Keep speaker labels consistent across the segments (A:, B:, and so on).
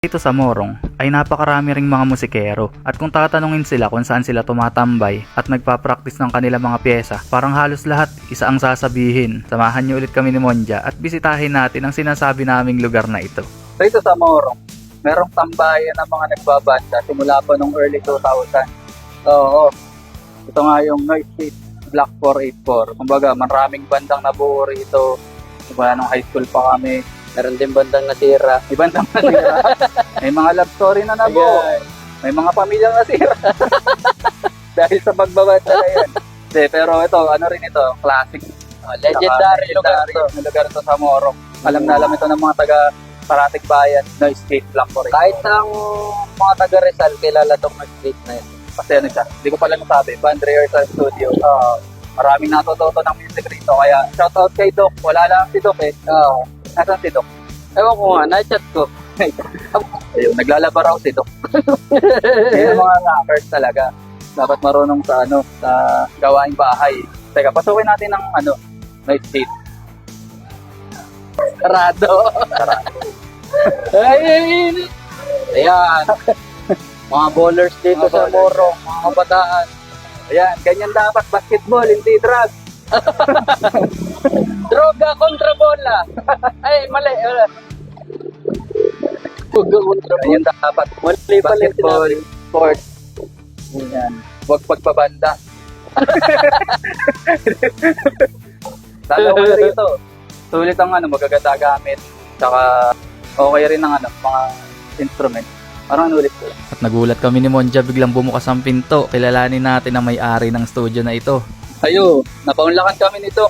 A: Dito sa Morong ay napakarami ring mga musikero at kung tatanungin sila kung saan sila tumatambay at nagpa-practice ng kanilang mga pyesa, parang halos lahat isa ang sasabihin. Samahan niyo ulit kami ni Monja at bisitahin natin ang sinasabi naming lugar na ito.
B: Dito sa Morong, merong tambayan ng mga nagbabanda simula pa nung early 2000. Oo, ito nga yung Noise Gate Block 484. Kumbaga, maraming bandang nabuo rito. Diba, nung high school pa kami.
C: Meron din bandang nasira.
B: May bandang nasira. May mga love story na nabuo. May mga pamilyang nasira. Dahil sa pagbabanda na yan. Pero ito, ano rin ito, classic.
C: Legendary lugar to.
B: Na lugar to sa Morong. Alam na alam ito ng mga taga Parating Bayan, Noise Gate Block 484.
C: Kahit ang mga taga Rizal, kilala tong nag-street na yun.
B: Kasi ano siya, hindi ko pala nasabi, Band Rehearsal Studio. Maraming natututo ng music rito. Kaya shoutout kay Doc. Wala lang si Doc eh. Nasaan si Doc?
C: Ewan ko nga, na-chat ko.
B: Ayun, naglalaba raw si Doc. Yan ang mga rappers talaga. Dapat marunong sa sa gawaing bahay. Teka, pasukin natin ng Noise Gate.
C: Sarado. Ay! Ayan. Mga bowlers dito
B: Mga
C: sa
B: bowlers.
C: Morong, mga kabataan.
B: Ayan, ganyan dapat basketball, hindi drugs.
C: Droga kontra bola. Ay, mali. Droga kontra bola.
B: Ganyan dapat.
C: Mali pala yung
B: Basketball,
C: sinabi.
B: sports. Ganyan. Huwag pagpabanda. Lalo ko rito. Sulit ang magaganda gamit. Tsaka okay rin ang mga instrument. Parang nulit ko.
A: At nagulat kami ni Monja biglang bumukas ang pinto. Kilalanin natin ang may-ari ng studio na ito.
B: Ayo, napaunlakan kami nito.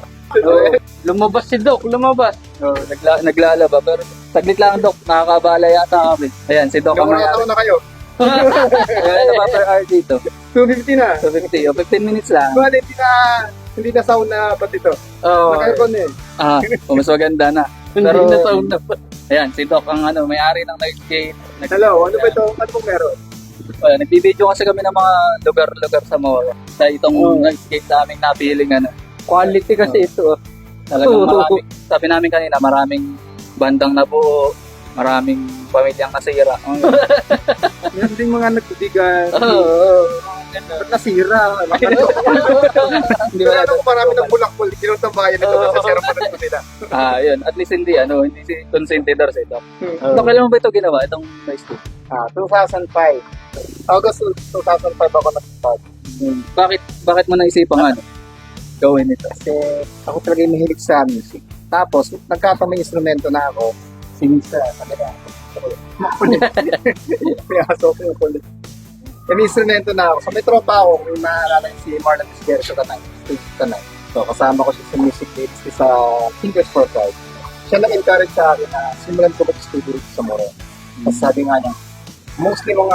C: Lumabas si Doc, lumabas.
B: Naglalaba. Pero saglit lang, Doc. Nakakabala yata kami. Ayan, si Doc ang mayari.
D: na kayo?
B: Ayan, na per hour dito.
D: 250 na.
B: So 50 o 15 minutes lang.
D: Bale, hindi na sound na ba't ito?
B: Oh,
D: Naka-aircon eh.
B: mas maganda na.
C: Hindi
B: Pero,
C: na sound na.
B: ayan, si Doc ang may-ari ng Noise Gate.
D: Hello, ano ba ito? Ano pong meron?
B: Nagbibideo kasi kami ng mga lugar-lugar sa Moro. Sa itong Noise Gate sa aming napiling
C: Quality kasi ito.
B: Talagang maraming, sabi namin kanina, maraming bandang nabuo, maraming pamilyang nasira.
D: Meron din mga nagbibigan. Ba't nasira?
B: Hindi ba
D: Kaya marami ng bulakbol. Kinuntambayan ito. Nasira pa ito nila.
B: yun. At least hindi si consentidor si Doc. Doc, kailan mo ba ito ginawa? Itong Noise Gate?
D: 2005. August 2005 ako nag-start.
B: Bakit mo naisipan gawin ito?
D: Kasi ako talaga yung mahilig sa music. Tapos, nagkakamay instrumento na ako. Singing sa kanila. Makulit. Kaya so, makulit. May instrumento na ako. So, may tropa ako. May naalala si Marlon Esquero sa Tanay. So, kasama ko siya sa music dates sa Fingers for Pride. Siya nag-encourage sa akin na simulan ko mag-studio sa Moro. Tapos sabi nga niya, mostly mga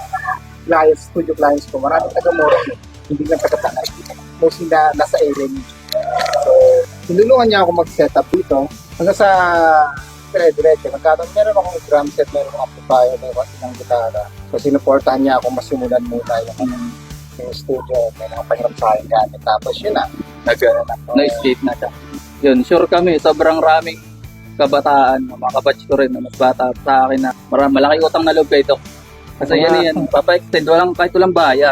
D: studio clients ko, maraming taga-Moro. Hindi lang taga-Tanay. Mostly na nasa area niya. So, tinulungan niya ako mag-set up dito. Hanggang sa dire-diretso. Meron akong drum set, meron akong amplifier, meron akong isang gitara. So, sinuportahan niya ako masimulan muna yung studio. May mga pangiram sa akin gamit. Tapos yun na.
B: Noise Gate na siya. Yun, sure kami, sobrang raming kabataan, mga kabatch ko rin, mas bata sa akin na malaki utang na loob kay Doc. Kasi yan, papa-extend, kahit walang bayar.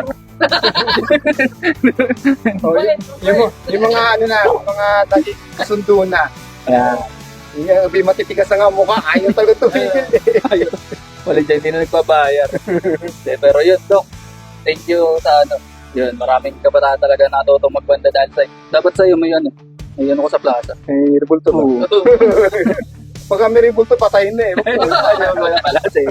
D: Yung mga mga naging kasundo na. Yung matitigas na nga mukha, ayaw talaga tumigil eh.
B: Wala dyan, hindi na nagpabayar. Pero yun, Doc, thank you sa yun, maraming kabataan talaga natutong magbanda dahil dapat sa'yo may ko sa plaza.
D: May rebulto ba? Pagka may rebulto, patayin na eh.
B: Wala pala sa'yo.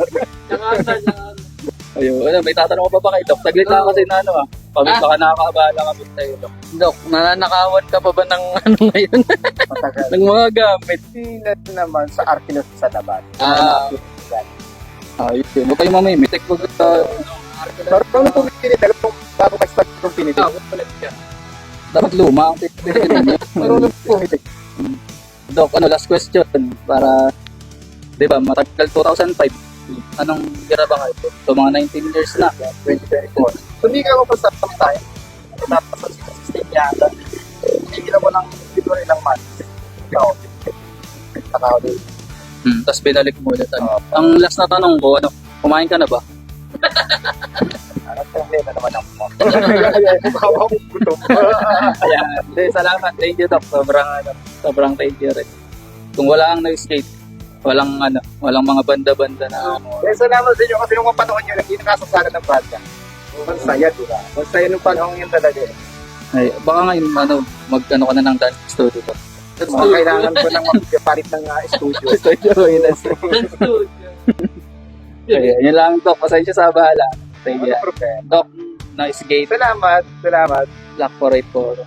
B: Ayun, may tatanong ko pa kay Doc? Saglit lang kasi na baka nakakaabala kami sa'yo, Doc.
C: Doc, nanakawan ka pa ba ng ngayon?
D: Matagal.
C: ng mga gamit?
D: Sila naman sa Arkilos sa labas.
B: Ayun, huwag kayo mamimitik.
D: Pero nung pumipili, dalawang bago mag-start yung pinili.
B: Dapat luma ang
D: Pero nung pumipili.
B: Doc, last question para, di ba, matagal 2005. Anong gira ba kayo? So, mga 19 years na.
D: 2024. So, hindi ka ako pa sa time. Tapos sa system yata. Hindi mo lang dito ilang months. Ikaw. Takaw din.
B: Tapos binalik mo ulit. Ang last na tanong ko, kumain ka na ba?
D: Hindi na naman ako.
B: Ayan. Hindi, salamat. Thank you, Doc. Sobrang thank you rin. Kung wala ang na-skate, walang mga banda-banda na
D: Salamat sa inyo kasi nung panahon nyo, hindi nakasasana ng banda. Masaya, diba? Masaya nung panahon yun talaga.
B: ay, baka ngayon, mag-ano ka na ng dance studio ko.
D: Kailangan ko nang magpalit ng studio.
B: Ayan, yun lang, Doc. Pasensya sa bahala. Thank you.
D: Wala problema.
B: Doc, nice gate.
D: Salamat.
B: Black 484.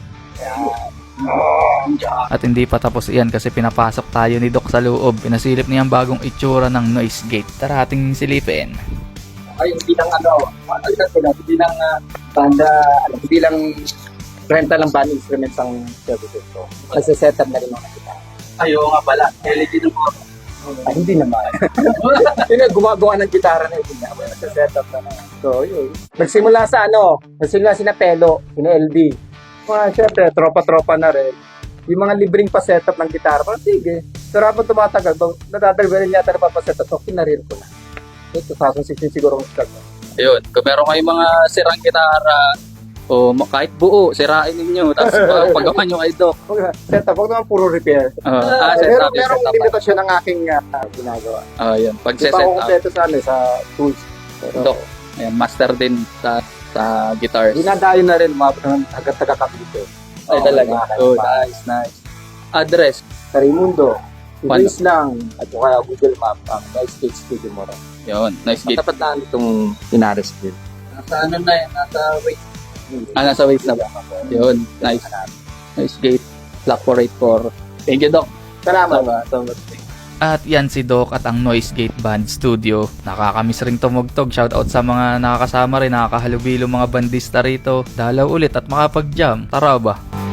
A: At hindi pa tapos iyan kasi pinapasok tayo ni Doc sa loob. Pinasilip niya ang bagong itsura ng noise gate. Tara ating silipin.
D: Ay, hindi lang hindi lang banda, hindi lang rental ng band instruments ang services ko. Kasi setup na rin mga kita.
B: Ayaw nga pala. LED ng mga.
D: Ay, hindi naman. Yun nga, gumagawa ng gitara na yun. Nasa setup na naman. So, yun. Nagsimula sina Pelo, sina LD. Siyempre, tropa-tropa na rin. Yung mga libreng pa-setup ng gitara, parang sige. Pero habang tumatagal, natatagal rin yata na pa-setup, so kinarin ko na. So, 2016 siguro ang start.
B: Ayun, kung meron kayong mga sirang gitara, o kahit buo, sirain ninyo. Tapos pagawa nyo kay Doc.
D: Setup, huwag naman puro repair.
B: Setup.
D: Merong limitasyon ng aking ginagawa.
B: Ayun, pag
D: Hindi pa ako
B: set up.
D: kompleto sa tools.
B: Doc, ayan, master din sa guitars.
D: Dinadayo na rin, hanggang taga-kapito.
B: Ay, talaga. Oh, nice. Address.
D: Sa Raimundo,
B: Paano?
D: i-base lang, at saka Google Map, ang Nice Skate Studio mo rin.
B: Yun, nice gate.
D: Matapat na itong Inares Bill.
B: Nasa ano na yan? Nasa waist. Nasa waist na ba? Yun, nice. Nice gate. Black 484. Thank you, Doc.
D: Salamat.
A: At yan si Doc at ang Noise Gate Band Studio. Nakakamiss ring tumugtog. Shoutout sa mga nakakasama rin, nakakahalubilo mga bandista rito. Dalaw ulit at makapag-jam. Tara ba?